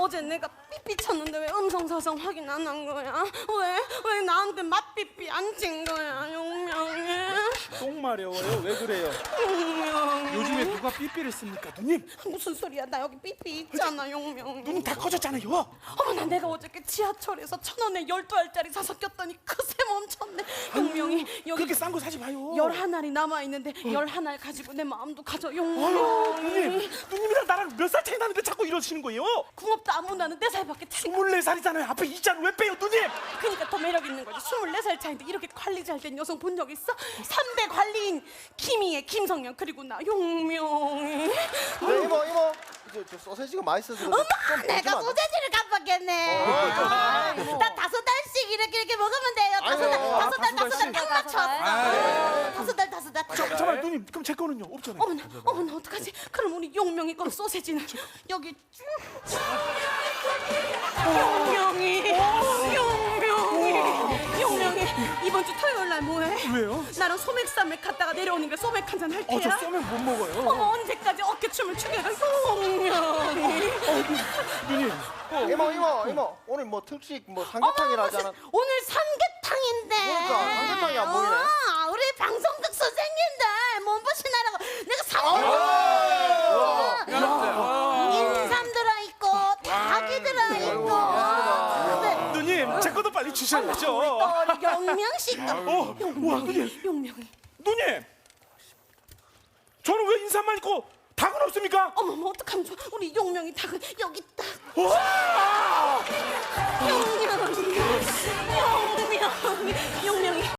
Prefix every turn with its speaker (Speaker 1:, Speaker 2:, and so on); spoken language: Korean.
Speaker 1: 어제 내가 삐삐 쳤는데 왜 음성사성 확인 안 한 거야? 왜 나한테 맛삐삐 안 친 거야? 용명이
Speaker 2: 똥 마려워요. 왜 그래요?
Speaker 1: 용명이
Speaker 2: 요즘에 누가 삐삐를 씁니까, 누님?
Speaker 1: 무슨 소리야? 나 여기 삐삐 있잖아, 용명이.
Speaker 2: 눈 다 커졌잖아요.
Speaker 1: 어머나, 내가 어저께 지하철에서 1,000원에 12알짜리 사서 꼈더니 그새 멈췄네. 용명이 여기
Speaker 2: 그렇게 싼 거 사지 마요.
Speaker 1: 11알이 남아있는데 11알 가지고 내 마음도 가져.
Speaker 2: 아유,
Speaker 1: 용명이
Speaker 2: 누님이랑 나랑 몇 살 차이 나는데 자꾸 이러시는 거예요?
Speaker 1: 궁합도 안 문다는 4살밖에 차이
Speaker 2: 24살이잖아요. 앞에 이자를 왜 빼요, 누님?
Speaker 1: 그러니까 더 매력 있는 거지. 24살 차인데 이렇게 관리 잘 된 여성 본 적 있어? 3대 관리인 김희애, 김성현, 그리고 나 용명이.
Speaker 3: 네, 이모 저 소세지가 맛있어서
Speaker 1: 어머,
Speaker 3: 좀
Speaker 1: 내가
Speaker 3: 좀
Speaker 1: 소세지를 깜빡했네. 나 5달씩 이렇게 먹으면 돼요.
Speaker 3: 아이고,
Speaker 1: 5달 딱 맞췄어. 5달.
Speaker 2: 잠깐만, 누님. 그럼 제 거는요? 없잖아요.
Speaker 1: 어머나, 어떡하지? 그럼 우리 용명이 건 소세지는 여기 쭉. 용명이 이번 주 토요일 날 뭐해?
Speaker 2: 왜요?
Speaker 1: 나랑 소맥 갔다가 내려오니까 소맥 한잔 할 테야.
Speaker 2: 저 쏘면 못 먹어요.
Speaker 1: 어머, 언제까지 어깨춤을 추게 가? 용명이.
Speaker 2: 누님.
Speaker 3: 이모 오늘 뭐 특식 뭐 삼계탕이라 하잖아.
Speaker 1: 오늘 삼계탕인데.
Speaker 3: 그러니까 삼계탕이 안 보이네.
Speaker 1: 우리 방송국 선생님들 몸보신하라고 내가 인삼 들어있고 닭이 들어있고. 네.
Speaker 2: 누님, 제 것도 빨리 주셔야죠.
Speaker 1: 우리 용명씨 거.
Speaker 2: 와, 누님.
Speaker 1: 용명이.
Speaker 2: 누님. 저는 왜 인삼만 있고 닭은 없습니까?
Speaker 1: 어머머, 어떡하면 좋아. 우리 용명이 닭은 여기 있다.
Speaker 2: 와!
Speaker 1: 용명이.